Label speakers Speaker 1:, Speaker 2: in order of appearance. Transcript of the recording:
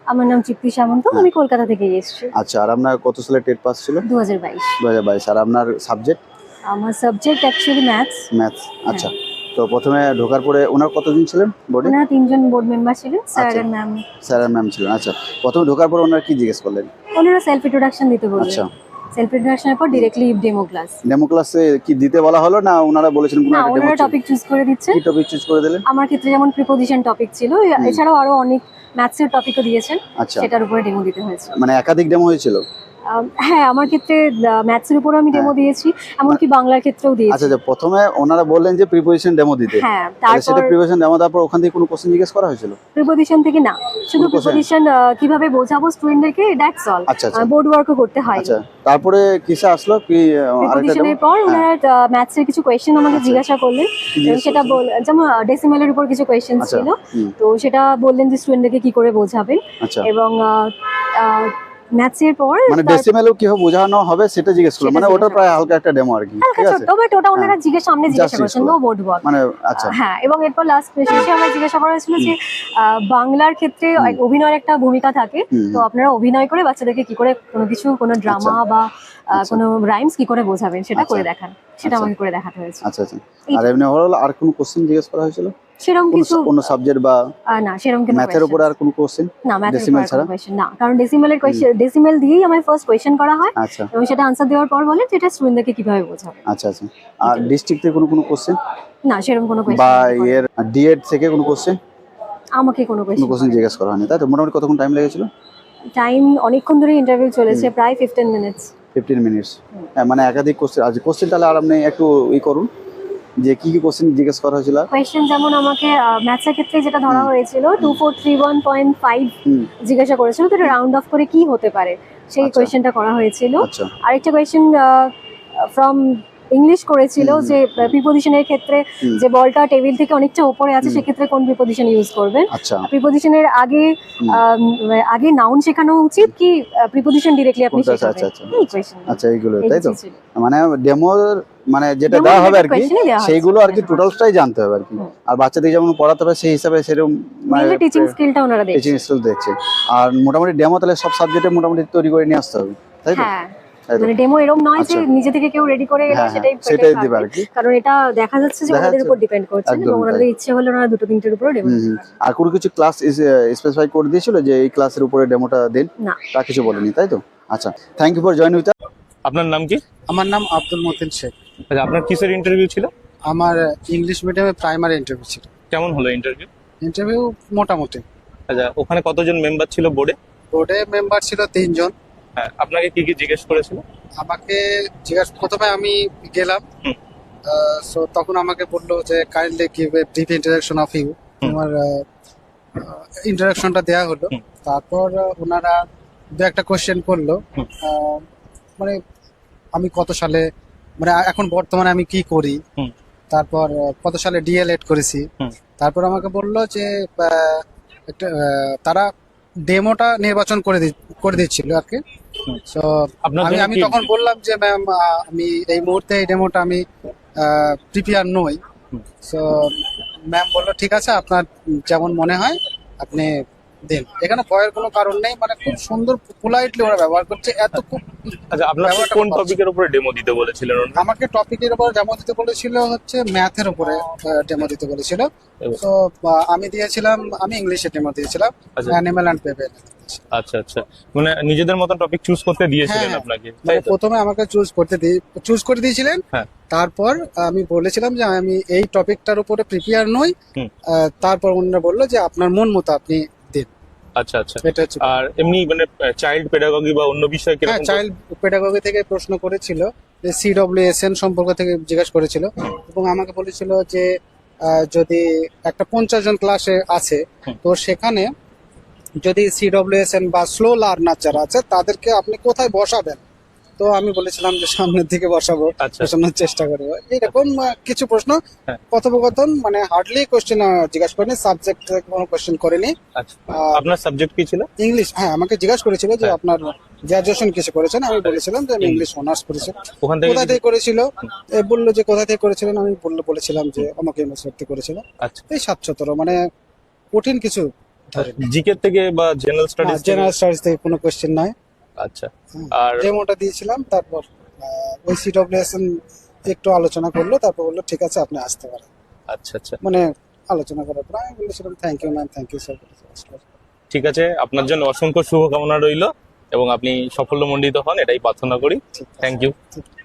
Speaker 1: আমার নাম চিপ্তি সামন্ত, আমি কলকাতা থেকে এসেছি।
Speaker 2: আচ্ছা, আর আপনার কত সালে টেট পাস ছিল?
Speaker 1: 2022।
Speaker 2: 2022। আর আপনার সাবজেক্ট?
Speaker 1: আমার সাবজেক্ট অ্যাকচুয়ালি ম্যাথস।
Speaker 2: ম্যাথস। আচ্ছা, তো প্রথমে ঢোকার পরে ওনার কতজন ছিলেন বোর্ডে?
Speaker 1: ওনারা 3জন বোর্ড মেম্বার ছিলেন, স্যার
Speaker 2: আচ্ছা।
Speaker 1: আর ম্যাম।
Speaker 2: স্যার আর ম্যাম ছিলেন। আচ্ছা, প্রথমে ঢোকার পর ওনারা কি জিজ্ঞেস করলেন?
Speaker 1: ওনারা সেলফ ইন্ট্রোডাকশন দিতে বললেন।
Speaker 2: আচ্ছা,
Speaker 1: সেলফ ইন্ট্রোডাকশনের পর ডিরেক্টলি ডেমো ক্লাস।
Speaker 2: ডেমো ক্লাসে কি দিতে বলা হলো না ওনারা বলেছেন কোনো
Speaker 1: না,
Speaker 2: একটা ডেমো?
Speaker 1: ওনারা টপিক চুজ করে দিচ্ছে।
Speaker 2: কি টপিক চুজ করে দিলেন?
Speaker 1: আমার ক্ষেত্রে যেমন প্রিপোজিশন টপিক ছিল, এছাড়াও আরো অনেক ম্যাথসের টপিকও দিয়েছেন,
Speaker 2: আচ্ছা,
Speaker 1: সেটার উপরে ডেমো দিতে হয়েছে।
Speaker 2: মানে একাধিক ডেমো হয়েছিল?
Speaker 1: হ্যাঁ, আমার ক্ষেত্রে ম্যাথসের উপর আমি ডেমো দিয়েছি, এমনকি বাংলার ক্ষেত্রেও দিয়েছি।
Speaker 2: আচ্ছা, যে প্রথমে ওনারা বললেন যে প্রিপোজিশন ডেমো দিতে,
Speaker 1: হ্যাঁ,
Speaker 2: তাহলে সেটা
Speaker 1: তারপর
Speaker 2: প্রিপোজিশন ডেমো তারপর ওখান থেকে কোনো কোশ্চেন জিজ্ঞেস করা হয়েছিল?
Speaker 1: প্রিপোজিশন থেকে না, শুধু
Speaker 2: কোনো question?
Speaker 1: প্রিপোজিশন কিভাবে বোঝাবো স্টুডেন্টদেরকে, দ্যাটস অল।
Speaker 2: আচ্ছা, আচ্ছা।
Speaker 1: বোর্ড ওয়ার্কও করতে হয়।
Speaker 2: আচ্ছা, তারপরে কিসে আসলো কি আরেকটা
Speaker 1: প্রিপোজিশনের
Speaker 2: ডেমো?
Speaker 1: পর ওনারা ম্যাথসের কিছু কোয়েশ্চেন আমাকে
Speaker 2: আচ্ছা।
Speaker 1: জিজ্ঞাসা করলেন,
Speaker 2: কি জিজ্ঞেস
Speaker 1: সেটা যেমন ডেসিমেলের উপর কিছু কোয়েশ্চেন
Speaker 2: আচ্ছা,
Speaker 1: ছিল,
Speaker 2: হুম,
Speaker 1: তো সেটা বললেন যে স্টুডেন্টদেরকে কি করে বোঝাবেন।
Speaker 2: আচ্ছা,
Speaker 1: এবং ম্যাথসের পর
Speaker 2: মানে ডেসিমেলও কিভাবে বোঝানো হবে সেটা জিজ্ঞেস করলো,
Speaker 1: সেটা
Speaker 2: মানে ওটা
Speaker 1: জিজ্ঞাসা
Speaker 2: প্রায় হালকা একটা ডেমো আর কি,
Speaker 1: হালকা
Speaker 2: ঠিক আছে?
Speaker 1: ছোট্ট, বাট ওটা ওনারা সামনে জিজ্ঞাসা
Speaker 2: জিজ্ঞেস
Speaker 1: করেছেন,
Speaker 2: করলো।
Speaker 1: No board work.
Speaker 2: মানে আচ্ছা,
Speaker 1: হ্যাঁ, এবং এরপর লাস্ট শেষে আমার জিজ্ঞাসা করা হয়েছিল যে বাংলার ক্ষেত্রে অভিনয়ের একটা ভূমিকা থাকে,
Speaker 2: হুম,
Speaker 1: তো আপনারা অভিনয় করে বাচ্চাদেরকে কি করে কোনো ড্রামা বা
Speaker 2: আচ্ছা।
Speaker 1: কোনো রাইমস কি করে বোঝাবেন সেটা
Speaker 2: আচ্ছা।
Speaker 1: করে দেখান, সেটা
Speaker 2: আচ্ছা।
Speaker 1: আমাকে করে দেখাতে হয়েছে।
Speaker 2: আচ্ছা, আচ্ছা। আর এমনি ওভারঅল আর কোনো কোশ্চেন জিজ্ঞেস করা হয়েছিল?
Speaker 1: সেরকম
Speaker 2: কোনো
Speaker 1: কিছু
Speaker 2: কোনো সাবজেক্ট বা
Speaker 1: না, সেরকম কোনো
Speaker 2: ম্যাথের উপরে আর কোনো কোশ্চেন?
Speaker 1: না, ম্যাথের
Speaker 2: ডেসিমেল
Speaker 1: উপর
Speaker 2: ছাড়া?
Speaker 1: কোনো কোয়েশ্চেন না, কারণ ডেসিমেল দিয়েই আমার ফার্স্ট কোয়েশ্চেন করা হয়,
Speaker 2: আচ্ছা,
Speaker 1: এবং সেটা আনসার দেওয়ার পর বলে যে এটা স্টুডেন্টদেরকে কিভাবে বোঝাবে।
Speaker 2: আচ্ছা, আচ্ছা। আর ডিস্ট্রিক্ট থেকে কোনো কোশ্চেন
Speaker 1: না, সেরকম কোনো
Speaker 2: বা
Speaker 1: কোয়েশ্চেন
Speaker 2: এর ডিএড থেকে কোনো কোশ্চেন?
Speaker 1: আমাকে কোনো
Speaker 2: কোনো কোশ্চেন
Speaker 1: কোয়েশ্চেন
Speaker 2: জিজ্ঞেস করা হয়নি, তাই তো? মোটামুটি কতক্ষণ টাইম লেগেছিল?
Speaker 1: টাইম অনেকক্ষণ ধরে ইন্টারভিউ চলেছে, প্রায় 15 মিনিটস।
Speaker 2: 15 মিনিটস। মানে একাধিক কোশ্চেন আছে। কোশ্চেন তাহলে আর আপনি একটু করুন যে কি কি কোশ্চেন জিজ্ঞেস করা হয়েছিল?
Speaker 1: কোয়েশ্চেন যেমন আমাকে ম্যাথসের ক্ষেত্রে যেটা ধরা হয়েছিল 2431.5
Speaker 2: হুম,
Speaker 1: জিজ্ঞাসা করেছিল, তো এটা রাউন্ড অফ করে কি হতে পারে সেই
Speaker 2: আচ্ছা।
Speaker 1: কোয়েশ্চেনটা করা হয়েছিল।
Speaker 2: আচ্ছা,
Speaker 1: আরেকটা কোয়েশ্চেন ফ্রম ইংলিশ করেছিল যে প্রিপোজিশনের ক্ষেত্রে যে বলটা টেবিল থেকে অনেকটা উপরে আছে, সেক্ষেত্রে কোন প্রিপোজিশন ইউজ করবেন।
Speaker 2: আচ্ছা,
Speaker 1: প্রিপোজিশনের আগে নাউন শেখানো উচিত কি প্রিপোজিশন ডিরেক্টলি আপনি
Speaker 2: কোনটা?
Speaker 1: শেখাবেন,
Speaker 2: আচ্ছা, আচ্ছা।
Speaker 1: এই কোয়েশ্চেন।
Speaker 2: আচ্ছা, এইগুলো তাই তো? মানে ডেমোর মানে যেটা দেওয়া হবে আর কি, সেইগুলো আর কি টোটালটাই জানতে হবে আর কি। আর বাচ্চাদের যেমন পড়াতে হবে সেই হিসাবে সেরকম মানে
Speaker 1: টিচিং স্কিলটা ওনারা দেখছেন।
Speaker 2: টিচিং স্কিল দেখছে। আর মোটামুটি ডেমো তাহলে সব সাবজেক্টে মোটামুটি তৈরি করে নিয়ে আসতে হবে, তাই তো?
Speaker 1: হ্যাঁ,
Speaker 2: তাই তো?
Speaker 1: মানে ডেমো এরকম নয় যে
Speaker 2: আচ্ছা।
Speaker 1: নিজে থেকে কেউ রেডি করে এলো
Speaker 2: হ্যাঁ,
Speaker 1: সেটাই
Speaker 2: সেটাই দিবে আর কি।
Speaker 1: কারণ এটা দেখা যাচ্ছে যে
Speaker 2: দেখা
Speaker 1: ওদের
Speaker 2: যাচ্ছে।
Speaker 1: উপর ডিপেন্ড করছে,
Speaker 2: একদমই
Speaker 1: এবং
Speaker 2: তাই।
Speaker 1: ওনাদের ইচ্ছে হলে ওনারা দুটো তিনটের উপর ডেমো
Speaker 2: হুম, হুম। আর কোনো কিছু ক্লাস স্পেসিফাই করে দিয়েছিল যে এই ক্লাসের উপরে ডেমোটা দিন?
Speaker 1: না।
Speaker 2: তা কিছু বলেনি, তাই তো? আচ্ছা, thank you for join with.
Speaker 3: আপনার নাম কি?
Speaker 4: আমার নাম আব্দুল মতিন শেখ।
Speaker 3: আচ্ছা, আপনার কিসের ইন্টারভিউ ছিল?
Speaker 4: আমার ইংলিশ মিডিয়ামে প্রাইমারি ইন্টারভিউ ছিল।
Speaker 3: কেমন হলো ইন্টারভিউ?
Speaker 4: ইন্টারভিউ মোটামুটি।
Speaker 3: আচ্ছা, ওখানে কতজন মেম্বার ছিল বোর্ডে?
Speaker 4: বোর্ডে মেম্বার ছিল 3 জন।
Speaker 3: হ্যাঁ, আপনাকে কি কি জিজ্ঞেস করেছিল?
Speaker 4: আমাকে প্রথমে আমি গেলাম, সো তখন আমাকে বললো যে kindly give a brief introduction of you. আমার ইন্ট্রোডাকশনটা দেওয়া হলো। তারপর ওনারা দু একটা কোশ্চেন করলো, মানে আমি কত সালে, মানে এখন বর্তমানে আমি কি করি, তারপর কত সালে ডিএলএড করেছি। তারপর আমাকে বললো যে একটা তারা ডেমোটা নির্বাচন করে দিচ্ছিল আর কি। সো আমি তখন বললাম যে ম্যাম আমি এই মুহূর্তে এই ডেমোটা আমি প্রিপেয়ার নই। সো ম্যাম বললো ঠিক আছে, আপনার যেমন মনে হয় আপনি দিন, এখানে ভয়ের কোনো কারণ নেই, মানে খুব সুন্দর পোলাইটলি ওরা ব্যবহার করছে।
Speaker 3: আচ্ছা, আপনাকে কোন টপিকের উপরে ডেমো দিতে বলেছিলেন?
Speaker 4: আমাকে টপিকের উপর ডেমো দিতে বলেছিল হচ্ছে ম্যাথের উপরে ডেমো দিতে বলেছিল। তো আমি ইংলিশে ডেমো দিয়েছিলাম, অ্যানিমাল অ্যান্ড বেবি।
Speaker 3: আচ্ছা, আচ্ছা, মানে নিজেদের মতন টপিক চুজ করতে দিয়েছিলেন আপনাকে, তাই তো?
Speaker 4: প্রথমে আমাকে চুজ করে দিয়েছিলেন।
Speaker 3: হ্যাঁ।
Speaker 4: তারপর আমি বলেছিলাম যে আমি এই টপিকটার উপরে প্রিপেয়ার নই। তারপর ওনারা বললো যে আপনার মন মতো আপনি দিন।
Speaker 3: আচ্ছা, আচ্ছা। আর এমনি মানে চাইল্ড পেডাগজি বা অন্য বিষয় কি?
Speaker 4: হ্যাঁ, চাইল্ড পেডাগজি থেকে প্রশ্ন করেছিল, যে সিডব্লিউএসএন সম্পর্ক থেকে জিজ্ঞাসা করেছিল, এবং আমাকে বলেছিল যে যদি একটা 50 জন ক্লাসে আছে, তো সেখানে যদি সিডব্লিউএসএন বা স্লো লার্নার যারা আছে তাদেরকে আপনি কোথায় বসাবেন। তো আমি বলেছিলাম যে সামনের দিকে বসাবো, বসানোর চেষ্টা করবো। এরকম কিছু প্রশ্ন, কথোপকথন, মানে হার্ডলি কোশ্চেন জিজ্ঞাসা করেনি, সাবজেক্ট কোনো কোশ্চেন করেনি।
Speaker 3: আপনার সাবজেক্ট কি ছিল?
Speaker 4: ইংলিশ। হ্যাঁ, আমাকে জিজ্ঞাসা করেছিল যে আপনার গ্রাজুয়েশন কিসে করেছেন। আমি বলেছিলাম যে আমি ইংলিশ অনার্স করেছি। কোথা থেকে করেছিল বললো যে কোথা থেকে করেছিলেন, আমি বলেছিলাম যে আমাকে ইউনিভার্সিটি করেছিল। এই 700, মানে কঠিন কিছু ধরে
Speaker 3: জিকে থেকে বা জেনারেল স্টাডিজ
Speaker 4: জেনারেল স্টাডিজ থেকে কোনো কোয়েশ্চেন নয়।
Speaker 3: আচ্ছা।
Speaker 4: হুম।
Speaker 3: আর
Speaker 4: ডেমোটা দিয়েছিলাম, তারপর ওই সিডব্লিউএসএন একটু আলোচনা করলো, তারপর বললো ঠিক আছে আপনি আসতে পারেন।
Speaker 3: আচ্ছা আচ্ছা,
Speaker 4: মানে আলোচনা করার পর আমি বলেছিলাম thank you ma'am, thank you sir.
Speaker 3: ঠিক আছে, আপনার জন্য অসংখ্য শুভকামনা রইলো এবং আপনি সাফল্যমণ্ডিত হন, এটাই প্রার্থনা করি।
Speaker 4: ঠিক আছে।
Speaker 3: Thank you.
Speaker 4: ঠিক আছে।